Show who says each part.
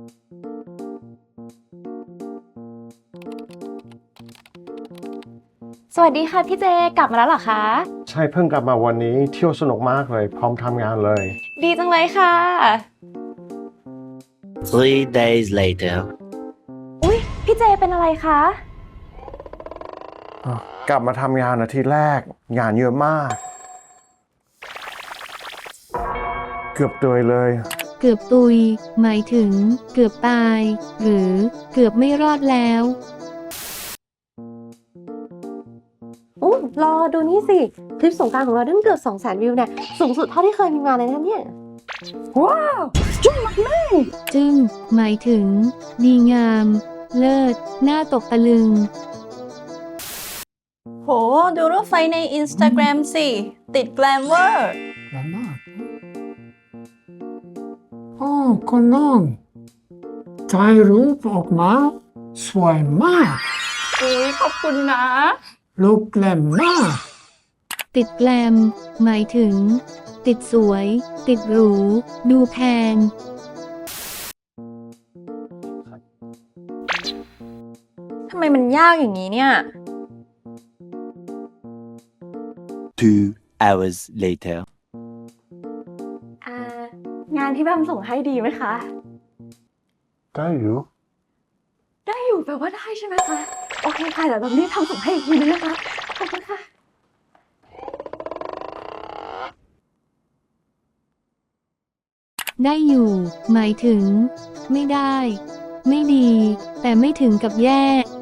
Speaker 1: สวัสดีค่ะพี่เจกลับมาแล้วเหรอคะ
Speaker 2: ใช่เพิ่งกลับมาวันนี้เที่ยวสนุกมากเลยพร้อมทำงานเลย
Speaker 1: ดีจังเลยค่ะ
Speaker 3: 3 days later.
Speaker 1: อุ๊ยพี่เจเป็นอะไรคะ
Speaker 2: กลับมาทำงานอาทิตย์แรกงานเยอะมาก เกือบตายเลย
Speaker 4: เกือบตุย หมายถึง เกือบตาย หรือ เกือบไม่รอดแล้ว
Speaker 1: รอดูนี่สิ คลิปสงกรานต์ของเราได้เกือบ 200,000 วิวเนี่ยสูงสุดเท่าที่เคยมีมาเลยนะเนี่ย ว้าวจุ๊บมาก
Speaker 4: จึง หมายถึง ดีงาม เลิศ น่าตกตะลึง
Speaker 5: โห ดูรูปไฟใน Instagram สิ ติดแกลมเวอร์
Speaker 6: คนน้องถ่ายรูปออกมาสวยมาก
Speaker 5: อุ๊ย ขอบคุณนะ
Speaker 6: รูปแกลมมาก
Speaker 4: ติดแกลม หมายถึง ติดสวย ติดหรู ดูแพง
Speaker 5: ทำไมมันยากอย่างนี้เนี่ย
Speaker 3: 2 hours later.
Speaker 1: งานที่แบมส่งให้ดีไหมคะ
Speaker 2: ได้อยู่
Speaker 1: ได้อยู่แปลว่าได้ใช่ไหมคะ โอเคค่ะเดี๋ยวแบมรีบทำส่งให้อีกทีนึงนะคะ ขอบคุณค่ะ
Speaker 4: ได้อยู่ หมายถึง ไม่ได้ ไม่ดี แต่ไม่ถึงกับแย่